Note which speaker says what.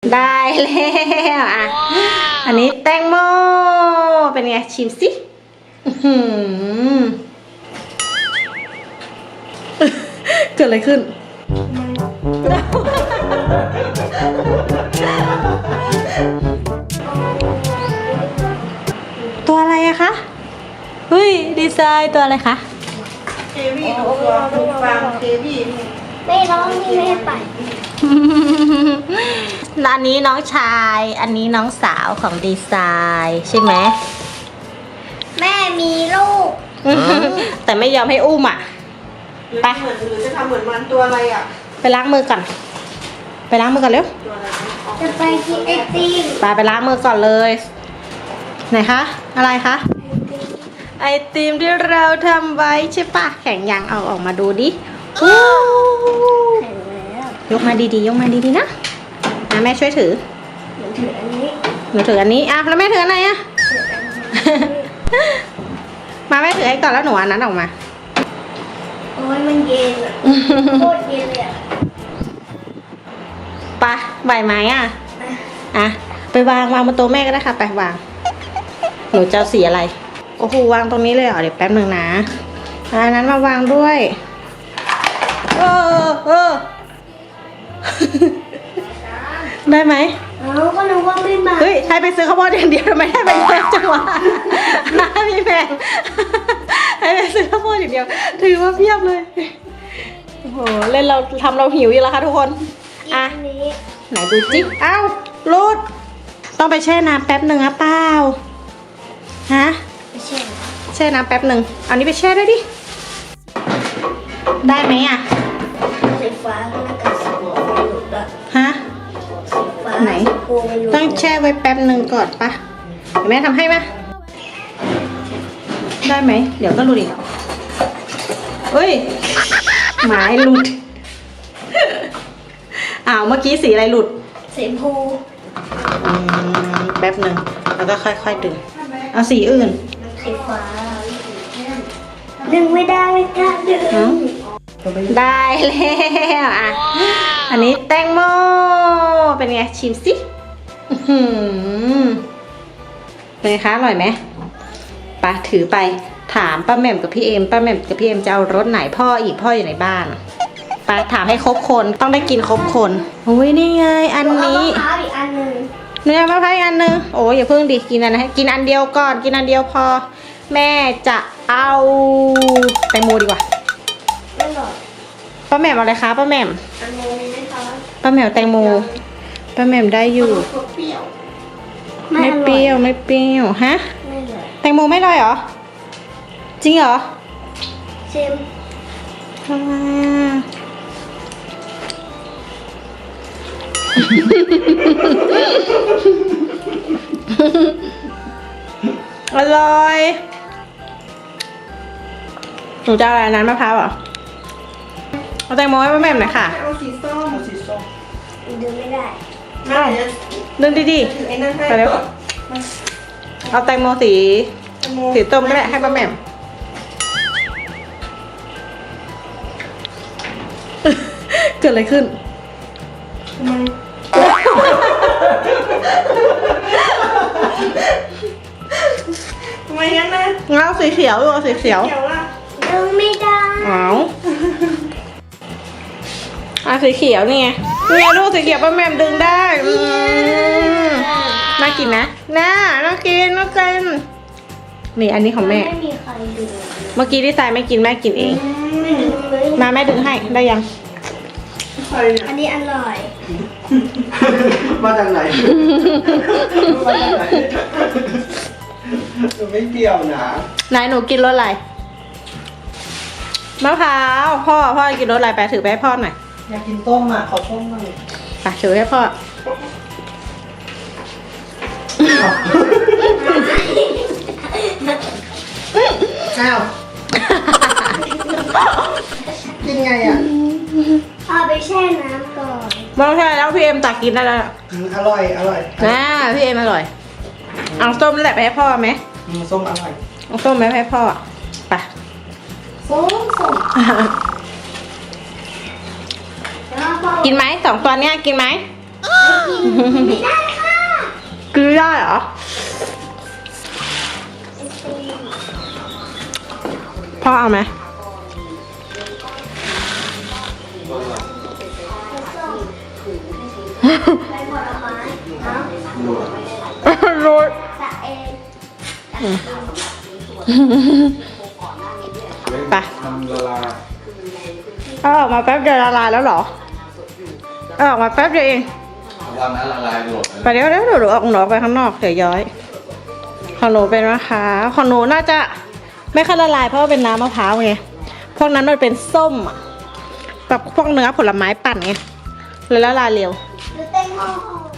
Speaker 1: ได้แล้วอ่ะอันนี้แตงโมเป็นไงชิมสิเกิดอะไรขึ้นตัวอะไรอะคะเฮ้ยดีไซน์ตัวอะไรคะ
Speaker 2: เควี่ตัวฟาร์มเควี่
Speaker 3: ไม่ร้องนี่ไม่ไป
Speaker 1: ร้านนี้น้องชายอันนี้น้องสาวของดีไซน์ใช่ไหม
Speaker 3: แม่มีลูก
Speaker 1: แต่ไม่ยอมให้อุ้มอ่ะไป
Speaker 2: หรือจะทำเหมือนมันตัวอะไรอ่ะ
Speaker 1: ไปล้างมือก่อนไปล้างมือก่อนเร็ว
Speaker 2: ตัวอะไร
Speaker 3: จะไปกินไอติม
Speaker 1: ไปล้างมือก่อนเลยไหนคะอะไรคะไอติมที่เราทำไว้ใช่ปะแข็งยังเอาออกมาดูดิว้าวยกมาดีๆยกมาดีๆนะแม่ช่วยถือ
Speaker 3: หนูถืออันนี้
Speaker 1: หนูถืออันนี้อ่ะแล้วแม่ถืออันไหนอ่ะ มาแม่ถือให้ก่อนแล้วหนูอันนั้นออกมา
Speaker 3: โอ้ยมันเย็นอะโคตรเย็นเลยอะ
Speaker 1: ไปใบไม้อ่ะอ่ะไปวางบนโต๊ะแม่ก็ได้ค่ะไปวางหนูจะเอาสีอะไรโอ้โหวางตรงนี้เลยเหรอเดี๋ยวแป๊บนึงนะอันนั้นมาวางด้วยได้ไหม
Speaker 3: เอาก็นึกว่าไม่มา
Speaker 1: เฮ้ยให้ไปซื้อข้าวโพดอย่างเดียวทำไมให้ไปเยอะจังวะพี่แพงให้ไปซื้อข้าวโพดอย่างเดียวถือว่าเพียบเลยโอ้โหเล่นเราทำเราหิวอยู่แล้วค่ะทุกคนอ่ะ
Speaker 3: อันนี้
Speaker 1: ไหนดูจิ๊กอ้าวรูดต้องไปแช่น้ำแป๊บหนึ่งอะเปล่าฮะ
Speaker 3: ไม่ใช่
Speaker 1: แช่น้ำแป๊บหนึ่งเอานี้ไปแช่ด้วยดิได้ไหมอะ
Speaker 3: สีฟ้าก็น่าจะสีม่วงหลุดอะ
Speaker 1: ฮะ
Speaker 3: สีฟ้า
Speaker 1: ไหน
Speaker 3: สีโกงหลุด
Speaker 1: ต้องแช่ไว้แป๊บหนึ่งก่อนปะเดี๋ยวแม่ทำให้ไหมได้ไหมเดี๋ยวก็หลุดอีกเฮ้ยหมายหลุดอ้าวเมื่อกี้สีอะไรหลุด
Speaker 3: สีชมพู
Speaker 1: แป๊บหนึ่งแล้วก็ค่อยๆดึงเอาสีอื่น
Speaker 3: สีฟ้าดึงไม่ได้ไม่กล้าดึง
Speaker 1: ได้แล้วอ่ะอันนี้แตงโมเป็นไงชิมสิเป็นไงคะอร่อยไหมไปถือไปถามป้าแหม่มกับพี่เอ็มป้าแหม่มกับพี่เอ็มจะเอารสไหนพ่ออยู่ในบ้านไปถามให้ครบคนต้องได้กินครบคนอุ้ยนี่ไงอันนี้
Speaker 3: เอามะพร้าวอีกอันหนึ่ง
Speaker 1: เนื้อมะพร้าวอีกอันนึงโอ้ยอย่าเพิ่งดิกินอันนะกินอันเดียวก่อนกินอันเดียวพอแม่จะเอาแตงโมดีกว่า
Speaker 3: ไม่หรอก
Speaker 1: ป้าแหม่มเอาอะไรคะป้าแหม่ม
Speaker 3: อันนี้ไหมคะ
Speaker 1: ป้าแหม่มแตงโมป้าแหม่มได้อยู่
Speaker 2: เปรี้ยว
Speaker 1: ไม่เปรี้ยวไม่เปรี้ยวฮะ
Speaker 3: ไม่เลย
Speaker 1: แตงโมไม่อร่อยเหรอจริงเหรอ
Speaker 3: ชิม
Speaker 1: ทำไมอร่อยหนูจะเอาอะไรนั้นมะพร้าวเหรอเอาแตงโมให้ป้าแหม่มหน่อยค่ะ
Speaker 2: เอาสีส้มสีส้ม
Speaker 3: ดึงไม่ได้
Speaker 2: ไม่จะ
Speaker 1: ดึงดี
Speaker 2: ถือไอ้นั่นให้
Speaker 1: ๆไปเร็วเอาแตงโมสีส้มก็ได้ให้ป้าแหม่มเกิดอะไรขึ้น
Speaker 2: ทำไมงั้นนะ
Speaker 1: งั้นเอาสีเขียวดูเอาสีเขียว
Speaker 2: เกี่ยวล่ะ
Speaker 3: ดึงไม่ได้
Speaker 1: เอาสีเขียวนี่ไงนี่ไงลูกสีเขียวป้าแหม่มดึงได้น่ากินนะน่ากินนี่อันนี้ของแม่
Speaker 3: ไม่มีใครดึง
Speaker 1: เมื่อกี้ที่ทรายไม่กินแม่กินเอง
Speaker 3: ไม่ดึงเลย
Speaker 1: มาแม่ดึงให้ได้ยัง
Speaker 2: ใครเนี่ย
Speaker 3: อันนี้อร่อย
Speaker 2: มาจากไหนมาจากไหนหนูไม่เปรี้ยวนะ
Speaker 1: ไหนหนูกินรสอะไรมะพร้าวพ่อกินรสอะไรไปถือไปให้พ่อหน่อย
Speaker 2: อยากกินต้มอ่ะขอต้มหน่อย
Speaker 1: ไปถือให้พ่อ
Speaker 2: อ้าวกินไงอ่ะ
Speaker 3: เอาไปแช่น้ำก่อน
Speaker 1: มองใช่แล้วพี่เอ็มตักกินได้แล้ว
Speaker 2: อร่อยอร่อย
Speaker 1: พี่เอ็มอร่อยเอาส้มนั่นแหละไปให้พ่อไหม
Speaker 2: ส้มอร่อย
Speaker 1: เอาส้มไหมให้พ่อไป
Speaker 3: ส้มแล้วก็
Speaker 1: กินไหม2 ตัวเนี้ยกินไหม
Speaker 3: ไม่ได้ค่ะ
Speaker 1: กินไม่ได้เหรอ พ่อเอาไหม
Speaker 3: ใบผลไม้เนาะ
Speaker 1: โรย
Speaker 3: แต่เอง
Speaker 1: ไป
Speaker 4: ทำละลาย
Speaker 1: เอาออกมาแป๊บเดียวละลายแล้วเหรอเอาออกมาแป๊บเดียวเอง
Speaker 4: วันนั้นละลายหมด
Speaker 1: ไปเดี๋ยวหนูออกหนูออกไปข้างนอกเดี๋ยวย้อยของหนูเป็นมะพร้าวของหนูน่าจะไม่ค่อยละลายเพราะว่าเป็นน้ำมะพร้าวไงพวกนั้นมันเป็นส้มอะแบบพวกเนื้อผลไม้ปั่นไงเลยละลายเร็ว
Speaker 3: หรือแตงโม